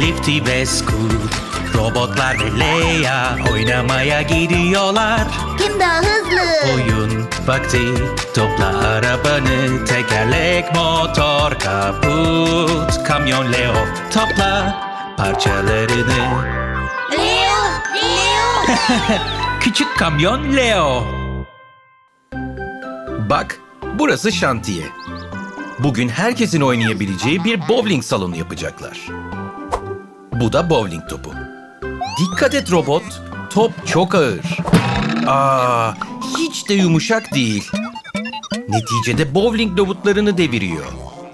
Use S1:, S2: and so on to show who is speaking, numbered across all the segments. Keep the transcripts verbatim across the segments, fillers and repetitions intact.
S1: Lifty ve Scoot, robotlar ve Leia oynamaya gidiyorlar.
S2: Kim daha hızlı?
S1: Oyun vakti, topla arabanı, tekerlek, motor, kaput, kamyon Leo, topla parçalarını.
S2: Leo! Leo!
S1: Küçük kamyon Leo.
S3: Bak, burası şantiye. Bugün herkesin oynayabileceği bir bowling salonu yapacaklar. Bu da bowling topu. Dikkat et robot, top çok ağır. Aa, hiç de yumuşak değil. Neticede bowling robotlarını deviriyor.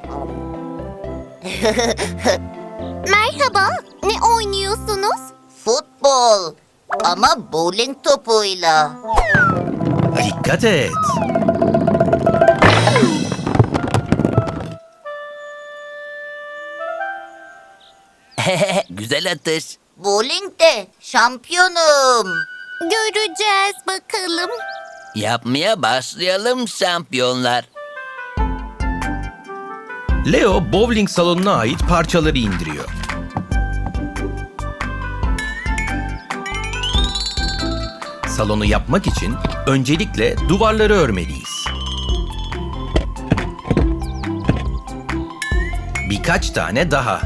S2: Merhaba, ne oynuyorsunuz? Futbol ama bowling topuyla.
S3: Dikkat et.
S4: Güzel atış.
S2: Bowling'de şampiyonum. Göreceğiz bakalım.
S4: Yapmaya başlayalım şampiyonlar.
S3: Leo bowling salonuna ait parçaları indiriyor. Salonu yapmak için öncelikle duvarları örmeliyiz. Birkaç tane daha.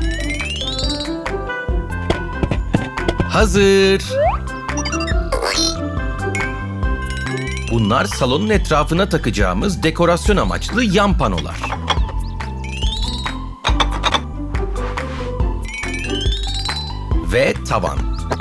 S3: Hazır. Bunlar salonun etrafına takacağımız dekorasyon amaçlı yan panolar. Ve tavan.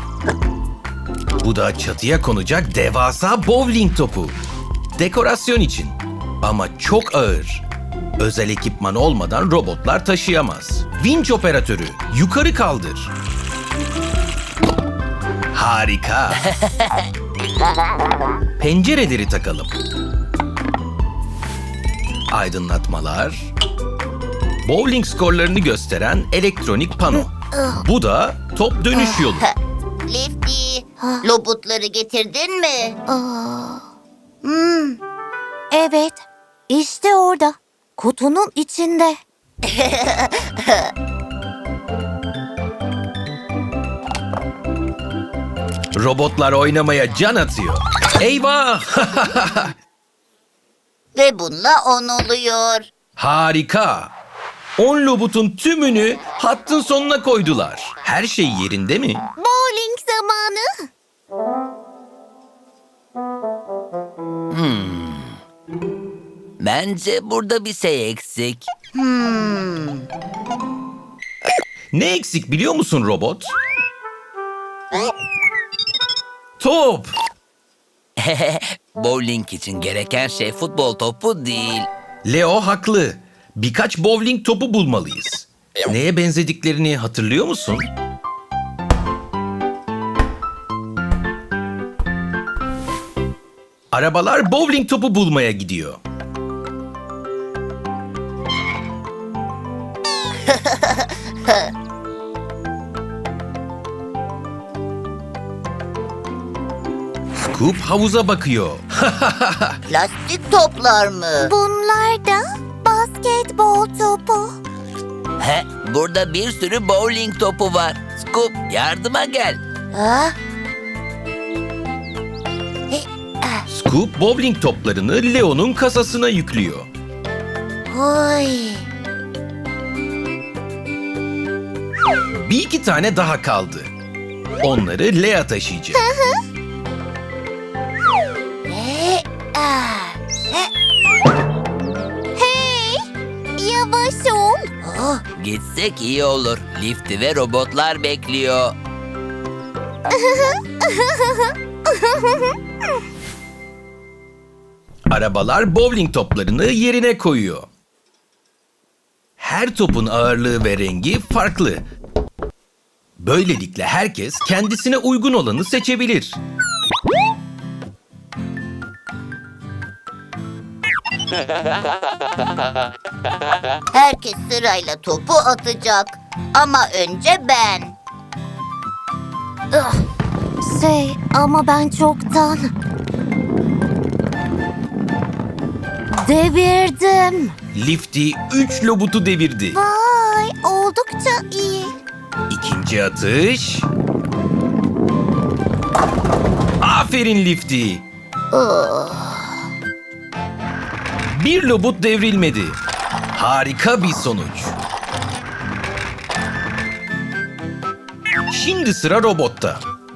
S3: Bu da çatıya konacak devasa bowling topu. Dekorasyon için. Ama çok ağır. Özel ekipman olmadan robotlar taşıyamaz. Vinç operatörü, yukarı kaldır. Harika. Pencereleri takalım. Aydınlatmalar. Bowling skorlarını gösteren elektronik pano. Bu da top dönüş yolu.
S2: Lifty, robotları getirdin mi? Hmm. Evet, işte orada. Kutunun içinde.
S3: Robotlar oynamaya can atıyor. Eyvah!
S2: Ve bununla on oluyor.
S3: Harika! on robotun tümünü hattın sonuna koydular. Her şey yerinde mi?
S2: Bowling zamanı.
S4: Bence burada bir şey eksik.
S3: Ne eksik biliyor musun robot? Top!
S4: Bowling için gereken şey futbol topu değil.
S3: Leo haklı. Birkaç bowling topu bulmalıyız. Neye benzediklerini hatırlıyor musun? Arabalar bowling topu bulmaya gidiyor. Scoop havuza bakıyor.
S2: Plastik toplar mı? Bunlar da basketbol topu.
S4: He, burada bir sürü bowling topu var. Scoop, yardıma gel.
S2: Ha?
S3: Scoop bowling toplarını Leo'nun kasasına yüklüyor.
S2: Oy.
S3: Bir iki tane daha kaldı. Onları Lea taşıyacak.
S2: E, ah, e. Hey, yavaş ol. Oh,
S4: Gitsek iyi olur. Lifty ve robotlar bekliyor.
S3: Arabalar bowling toplarını yerine koyuyor. Her topun ağırlığı ve rengi farklı. Böylelikle herkes kendisine uygun olanı seçebilir.
S2: herkes sırayla topu atacak. Ama önce ben. Şey, ama ben çoktan devirdim.
S3: Lifty üç lobutu devirdi.
S2: Vay, oldukça iyi.
S3: İkinci İkinci atış. Aferin Lifty. Bir lobut devrilmedi. Harika bir sonuç. Şimdi sıra robotta.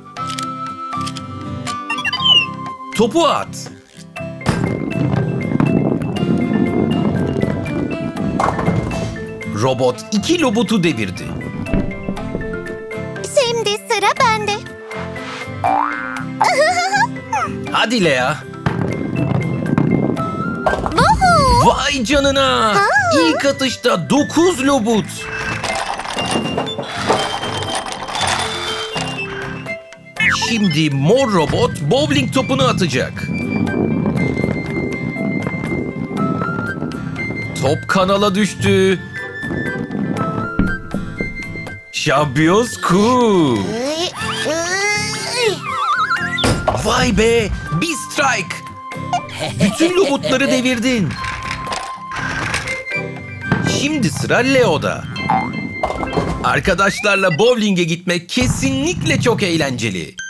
S3: Topu at. Robot iki lobutu devirdi.
S2: Şimdi sıra bende.
S3: Hadi Lea.
S2: Vuhu!
S3: Vay canına. İlk atışta dokuz lobut. Şimdi mor robot bowling topunu atacak. Top kanala düştü. Şampiyon Scoop.
S2: Ay, ay.
S3: Vay be, bir strike. Bütün lobutları devirdin. Şimdi sıra Leo'da. Arkadaşlarla bowling'e gitmek kesinlikle çok eğlenceli.